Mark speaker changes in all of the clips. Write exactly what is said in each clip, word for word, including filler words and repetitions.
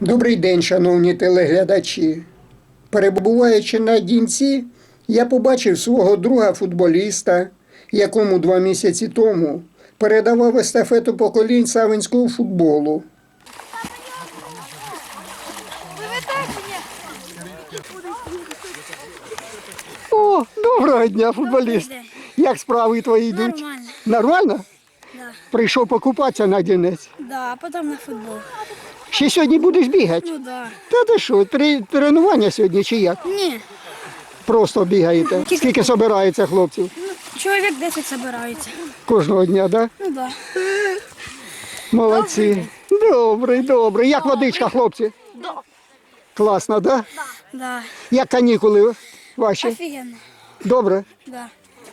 Speaker 1: Добрий день, шановні телеглядачі. Перебуваючи на Дінці, я побачив свого друга-футболіста, якому два місяці тому передавав естафету поколінь савинського футболу. О, доброго дня, футболіст. Як справи твої йдуть?
Speaker 2: Нормально.
Speaker 1: Нормально?
Speaker 2: Да.
Speaker 1: Прийшов покупатися на Дінець.
Speaker 2: Да, а потом на футбол.
Speaker 1: Ще сьогодні будеш бігати?
Speaker 2: Ну да.
Speaker 1: Та ти що, три- тренування сьогодні чи як?
Speaker 2: Не,
Speaker 1: Просто бігаєте. Скільки збирається хлопців?
Speaker 2: ну, чоловік десять собирається.
Speaker 1: Кожного дня, так? Да?
Speaker 2: Ну да.
Speaker 1: Молодці. Добрий, добрий. Як водичка, хлопці? Класно, так? Да?
Speaker 2: Да.
Speaker 1: Як канікули ваші?
Speaker 2: Офігенно.
Speaker 1: Добре?
Speaker 2: Да.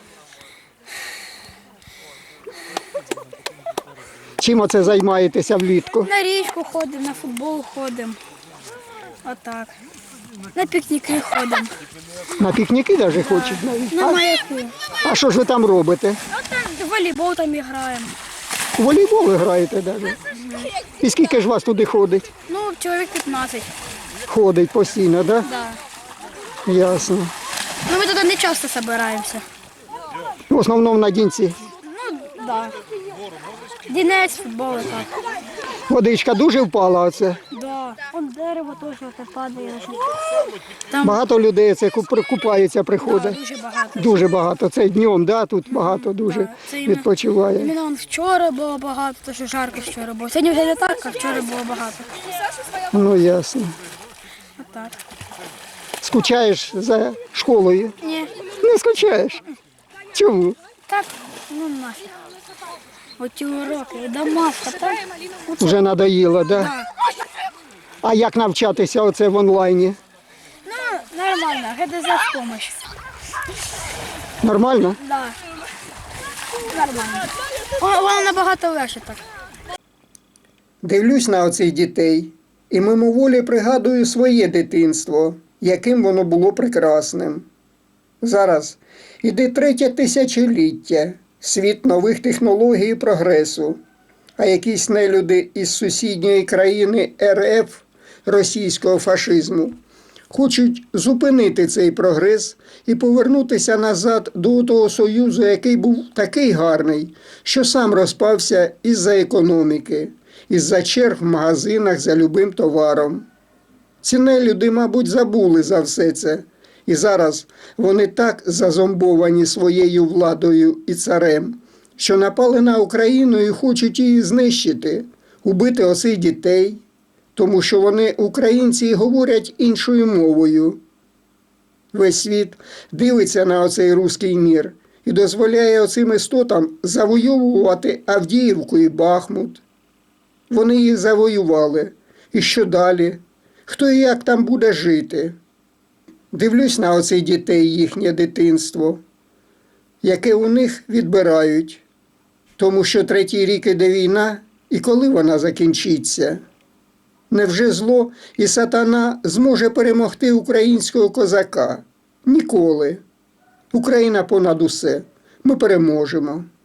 Speaker 1: Чим оце займаєтеся влітку?
Speaker 2: На річку ходимо, на футбол ходимо. Отак. На пікніки ходимо.
Speaker 1: На пікніки навіть хочуть навіть?
Speaker 2: На
Speaker 1: А,
Speaker 2: маяку.
Speaker 1: а що ж ви там робите?
Speaker 2: Отак, в волейбол там граємо.
Speaker 1: У волейбол ви граєте навіть? І скільки ж вас туди ходить?
Speaker 2: Ну, чоловік п'ятнадцять.
Speaker 1: Ходить постійно, так?
Speaker 2: Да.
Speaker 1: Да? Ясно.
Speaker 2: Ну, ми туди не часто збираємося.
Speaker 1: В основному на Дінці.
Speaker 2: Ну, да. Дінець, футбол, так.
Speaker 1: Водичка дуже впала оце.
Speaker 2: Да. Вон дерево теж оте падає. Там
Speaker 1: Багато людей це куп- купаються, приходить.
Speaker 2: дуже багато.
Speaker 1: Дуже багато. Це днем, да? Тут багато дуже
Speaker 2: Да, це іменно-
Speaker 1: відпочиває.
Speaker 2: Іменно он вчора було багато, тому що жарко вчора було. Сьогодні вже не так, а вчора було багато.
Speaker 1: Ну ясно.
Speaker 2: Отак.
Speaker 1: Скучаєш за школою?
Speaker 2: Ні,
Speaker 1: Не скучаєш? Чому?
Speaker 2: так, ну нафіг. Оті уроки, домашка, так?
Speaker 1: Вже надоїло, да?
Speaker 2: Так.
Speaker 1: А як навчатися оце в онлайні?
Speaker 2: Ну, нормально, ГДЗ в помощь.
Speaker 1: Нормально?
Speaker 2: Да. Нормально. Воно воно набагато легше так.
Speaker 1: Дивлюсь на оцих дітей і мимоволі пригадую своє дитинство, яким воно було прекрасним. Зараз іде третє тисячоліття, світ нових технологій і прогресу, а якісь нелюди із сусідньої країни РФ, російського фашизму, хочуть зупинити цей прогрес і повернутися назад до того Союзу, який був такий гарний, що сам розпався із-за економіки, із-за черг в магазинах за любим товаром. Ці нелюди, мабуть, забули за все це. І зараз вони так зазомбовані своєю владою і царем, що напали на Україну і хочуть її знищити, убити оцих дітей, тому що вони, українці, і говорять іншою мовою. Весь світ дивиться на оцей руський мір і дозволяє оцим істотам завойовувати Авдіївку і Бахмут. Вони їх завоювали. І що далі? Хто і як там буде жити? Дивлюсь на оцих дітей, їхнє дитинство, яке у них відбирають, тому що третій рік іде війна, і коли вона закінчиться? Невже зло і сатана зможе перемогти українського козака? Ніколи. Україна понад усе. Ми переможемо.